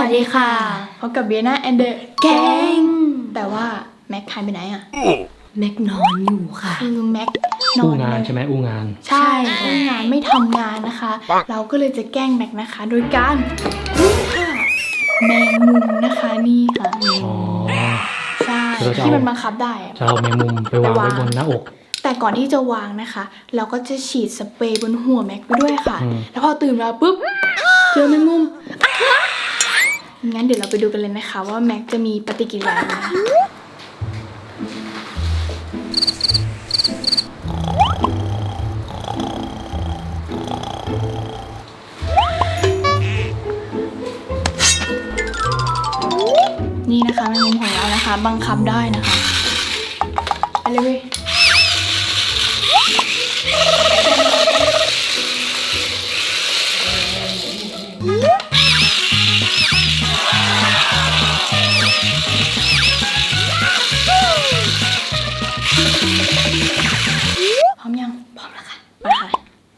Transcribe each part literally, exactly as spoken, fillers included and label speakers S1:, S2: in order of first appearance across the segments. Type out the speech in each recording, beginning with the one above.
S1: วัสดีค่ะพบกับเบียนาแอนเดอร์แกงแต่ว่าแม็กหายไปไหนอะ
S2: แม็กนอนอยู่ค่ะ
S1: คือแม็กนอน
S3: อู้งานใช่ไหมอู้งาน
S1: ใช่อู้งานไม่ทำงานนะคะเราก็เลยจะแกล้งแม็กนะคะโดยการนี่ค่ะแมงมุมนะคะนี่ค่ะ
S3: อ๋อ
S1: ใช่ที่มันบังคับได้
S3: จะเอาแมงมุมไปวางไว้บนหน้าอก
S1: แต่ก่อนที่จะวางนะคะเราก็จะฉีดสเปรย์บนหัวแม็กไปด้วยค่ะแล้วพอตื่นมาปุ๊บเจอแมงมุมงั้นเดี๋ยวเราไปดูกันเลยนะคะว่าแม็กจะมีปฏิกิริยาอะไรนี่นะคะแมงมุมของเรานะคะบังคับได้นะคะไปเลยเว้ยพร้อมยังพร้อมแล้วค่ะไปค่ะ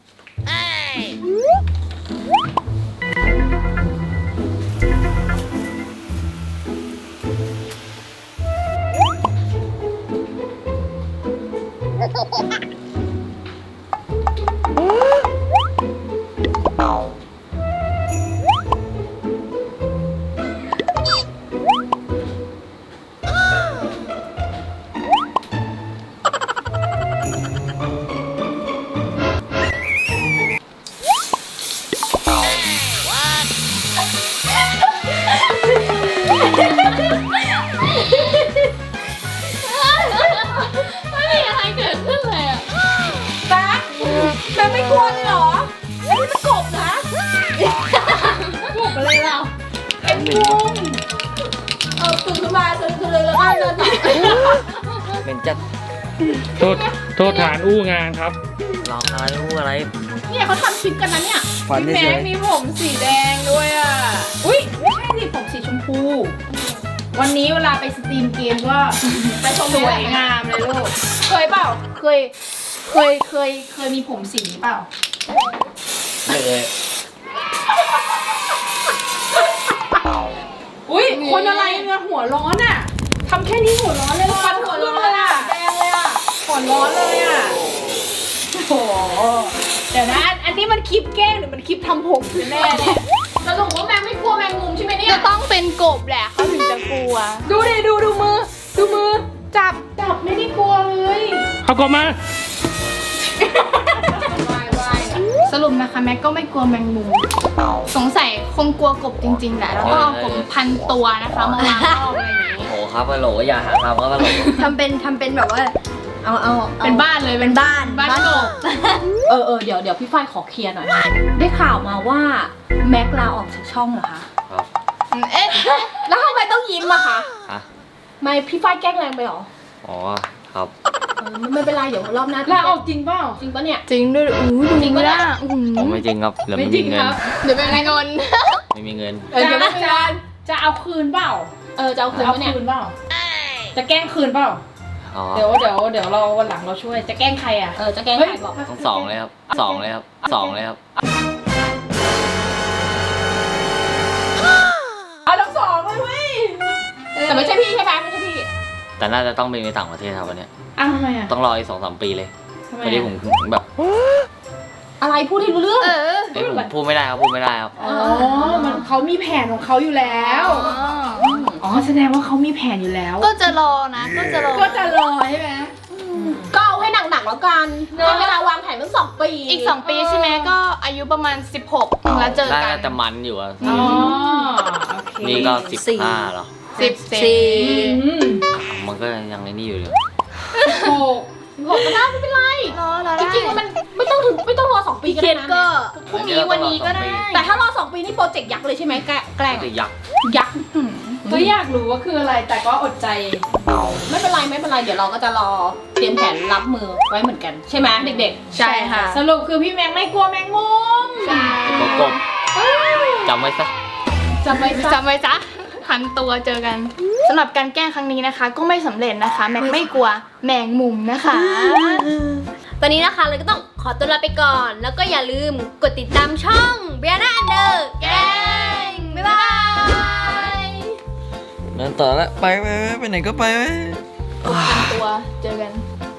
S2: ไม่มีอะไรเกิดขึ้นเลยอ่ะแบ๊กแบ๊กไม่กลัวเลยเหรอไอ้นี่มันกบนะกบอะไรเราเป็นกุ้งเอาตื่นขึ้นมาตื่นขึ้นเลยแล้วก็เดินต่อ
S4: เป็นจัด
S3: โทษโทษฐานอู้งานครับ
S4: หลอกอะไรอู้อะไร
S2: เนี่ยเขาทำคลิปกันนะเนี่ยพี่แม็กมีผมสีแดงด้วยอ่ะอุ้ยไม่ใช่สิผมสีชมพูวันนี้เวลาไปสตรีมเกมก็ไปชมสวยงามเลยลูกเคยเปล่าเคยเคยเคยเคยมีผมสีเปล่า
S4: ไม่เลย
S2: อุ้ยคนอะไรเนี่ยหัวร้อนอ่ะทำแค่นี้หัวร้อนเลยฟันหัวร้อนเลยอ่ะแดงเลยอ่ะหัวร้อนเลยอ่ะโอ้โหเดี๋ยวนะอันนี้มันคลิปแกล้งหรือมันคลิปทำผมแน่เนี่ยสรุปว่าแมงไม่กลัวแมงมุมใช่ไหมเนี่ย
S1: จะต้องเป็นกบแหละเขาถึงจะกลัว
S2: ดูดิดูดูมือดูมือจับจับไม่ได้กลัวเลย
S3: เขากบมา
S1: สรุปนะคะแม็กก็ไม่กลัวแมงมุมสงสัยคงกลัวกบจริงๆแหละแล้วก็เอากบพันตัวนะคะมาวางรอบอะไรอย่างนี้
S4: โอ้ครับฮัลโหลอย่าหาทำครับฮัลโหล
S1: ทำเป็นทำเป็นแบบว่าเอาเอา
S2: เป็นบ้านเลย
S1: เป็นบ้าน
S2: บ้านกบเออเออเดี๋ยวเดี๋ยวพี่ฝ้ายขอเคลียร์หน่อยได้ข่าวมาว่าแม็กลาออกจากช่องเหรอคะ
S4: ครับ
S2: เอ๊ะแล้วทำไมต้องยิ้มอะคะ
S4: ฮะ
S2: ไม่พี่ฝ้ายแกล้งแรงไปหรอ
S4: อ๋อครับ
S2: ไม่เป็นไรเดี๋ยวรอบหน้าลาออกจริงเปล่าจริงปะเนี่ย
S1: จริงด้วยอู้จริงปะเนี่ย
S4: ผมไม่จริงครับเหลือไม่มีเงิน
S1: เดี๋ยวเป็นเงิน
S4: ไม่มีเงิน
S2: เดี๋ยวจะจะเอาคืนเปล่าเออจะเอาคืนปะเนี่ยเปล่าจะแกล้งคืนเปล่าเดี๋ยวเดี๋ยวเดี๋ยวเราวันหลังเราช่วยจะแกล้งใครอ่ะเออจะแกล้งใครบอก
S4: ต้องสองเลยครับสองเลยครับสองเลยครับ
S2: เอาทั้งสองเลยเว้ยแต่ไม่ใช่พี่ใช่ไหมไม่ใช่พี่
S4: แต่น่าจะต้องไปในต่างประเทศครับวันนี้
S2: อ้าวทำไมอ่ะ
S4: ต้องรออีกสองสามปีเลยพอดีผมแบบ
S2: อะไรพูดให้รู้เรื่องเออ
S4: ผมพูดไม่ได้ครับพูดไม่ได้ครับ
S2: อ๋อมันเขามีแผนของเขาอยู่แล้วอ๋อแสดงว่าเขามีแผนอยู่แล้ว
S1: ก็จะรอนะก็จะรอ
S2: ก็จะรอใช่ไหมก็เอาให้หนักๆแล้วกันให้เวลาวางแผนตั้งสองปี
S1: อีกสองปีใช่ไหมก็อายุประมาณสิบหกแล้วเจอกัน
S4: น่าจะมันอยู่อ่ะ
S2: อ๋อ
S4: นี่ก็สิบห้าหรอ
S1: สิบสี่
S4: มันก็ยังในนี่อยู่เลย
S2: โอ้หกก็ได้ไม่เป็นไรจริงๆมันไม่ต้องถึงไม่ต้องรอสองปีก็ได้นะ
S1: พรุ่งนี้วันนี้ก็ได้
S2: แต่ถ้ารอสองปีนี่โปรเจกต์ยักษ์เลยใช่ไหมแกล้ง
S4: ยักษ์
S2: ยักษ์ก็อยากรู้ว่าคืออะไรแต่ก็อดใจไม่เป็นไรไม่เป็นไรเดี๋ยวเราก็จะรอเตรียมแผนรับมือไว้เหมือนกันใช่ไหมเด็กๆ
S1: ใช่ค่ะ
S2: สรุปคือพี่แมงไม่กลัวแมงมุม
S1: ใช่
S4: กบจำไว้ซะ
S2: จำไว้
S1: จำไว้จ้ะพันตัวเจอกันสำหรับการแกล้งครั้งนี้นะคะก็ไม่สำเร็จนะคะแม็กไม่กลัวแมงมุมนะคะตอนนี้นะคะเราก็ต้องขอตัวลาไปก่อนแล้วก็อย่าลืมกดติดตามช่อง Brianna Under แกงบ๊ายบาย
S5: ต่อแล้วไปไปไปไปไหนก็ไปไป
S1: ตัวเจอกัน